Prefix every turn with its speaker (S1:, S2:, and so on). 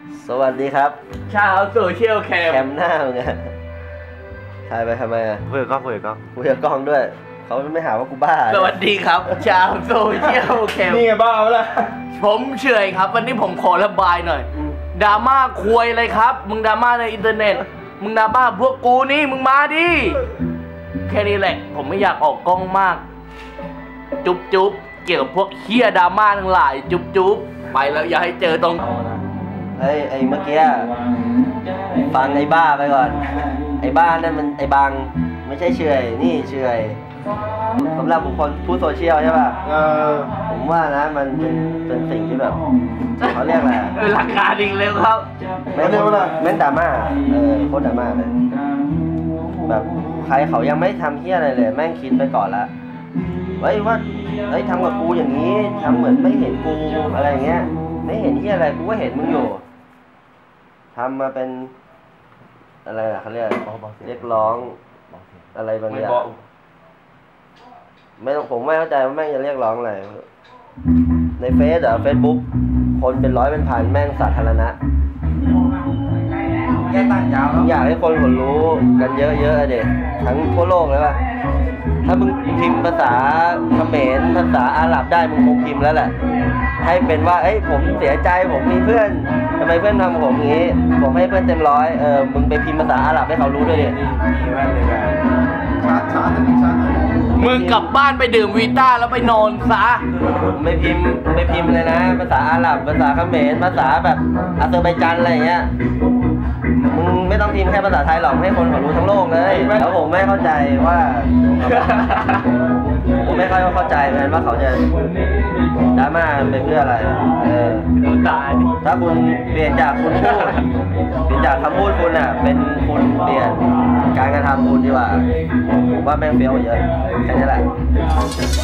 S1: สวัสดีครับ
S2: ชาวโซเชียลแคม
S1: หน้ามึงอะถ่ายไปทำไมอะ
S3: คุยกับกล้องคุยกับกล้อง
S1: คุยกับกล้องด้วยเขาไม่หาว่ากูบ้า
S2: สวัสดีครับชาวโซเชียลแคม
S3: นี่ไงบ้าเปล่า
S2: ผมเฉยครับวันนี้ผมขอระบายหน่อยดราม่าควยเลยครับมึงดราม่าในอินเทอร์เน็ตมึงดราม่าพวกกูนี่มึงมาดิแค่นี้แหละผมไม่อยากออกกล้องมากจุ๊บจุ๊บเกี่ยวกับพวกเฮียดราม่าทั้งหลายจุ๊บจุ๊บไปแล้วอย่าให้เจอตรง
S1: ไอ้เมื่อกี้ฟังไอ้บ้าไปก่อนไอ้บ้านั่นมันไอ้บางไม่ใช่เฉยนี่เฉยสำหรับบุคคลผู้โซเชียลใช่ป่ะผมว่านะมันเป็นสิ่งที่แบบเขาเรียกอะไร
S2: หลักการจริงเลยครับ
S1: ไม่เรียกว่าแม่นดราม่าโคตรดราม่าเลยแบบใครเขายังไม่ทำเฮี้ยอะไรเลยแม่งคิดไปก่อนละว่าทำกับกูอย่างนี้ทำเหมือนไม่เห็นกูอะไรเงี้ยไม่เห็นที่อะไรกูก็เห็นมึงอยู่ทำมาเป็นอะไรอะเขาเรียกร้องอะไรบางอย่างไม่ต้องผมไม่เข้าใจว่าแม่งจะเรียกร้องอะไรในเฟซบุ๊กคนเป็นร้อยเป็นพันแม่งสาธารณะ
S3: แค่ตั้งยาว
S1: อยากให้คนรู้กันเยอะๆเด็กทั้งทั่วโลกเลยว่าถ้ามึงพิมพ์ภาษาเขมรภาษาอาหรับได้มึงคงพิมพ์แล้วแหละให้เป็นว่าผมเสียใจผมมีเพื่อนทำไมเพื่อนทำผมอย่างนี้ผมให้เพื่อนเต็มร้อยมึงไปพิมพ์ภาษาอาหรับให้เขารู้ด้วยดิ
S3: มีแว่นเลยกันชัด
S2: มึงกลับบ้านไปดื่มวีต้าแล้วไปนอนซะ
S1: ไม่พิมพ์เลยนะภาษาอาหรับภาษาเขมรภาษาแบบอาเซอร์ไบจานอะไรอย่างเงี้ยมึงไม่ต้องพิมพ์แค่ภาษาไทยหรอกให้คนเขารู้ทั้งโลกเลยแล้วผมไม่เข้าใจว่าผมไม่ค่อยเข้าใจเหมือนกันว่าเขาจะดราม่าเป็นเพื่ออะไรถ้าคุณเปลี่ยนจากคุณพูดเปลี่ยนจากคำพูดคุณอ่ะเป็นคุณเปลี่ยนการกระทำคุณดีกว่าผมว่าแม่งเฟี้ยวเยอะแค่นี้แหละ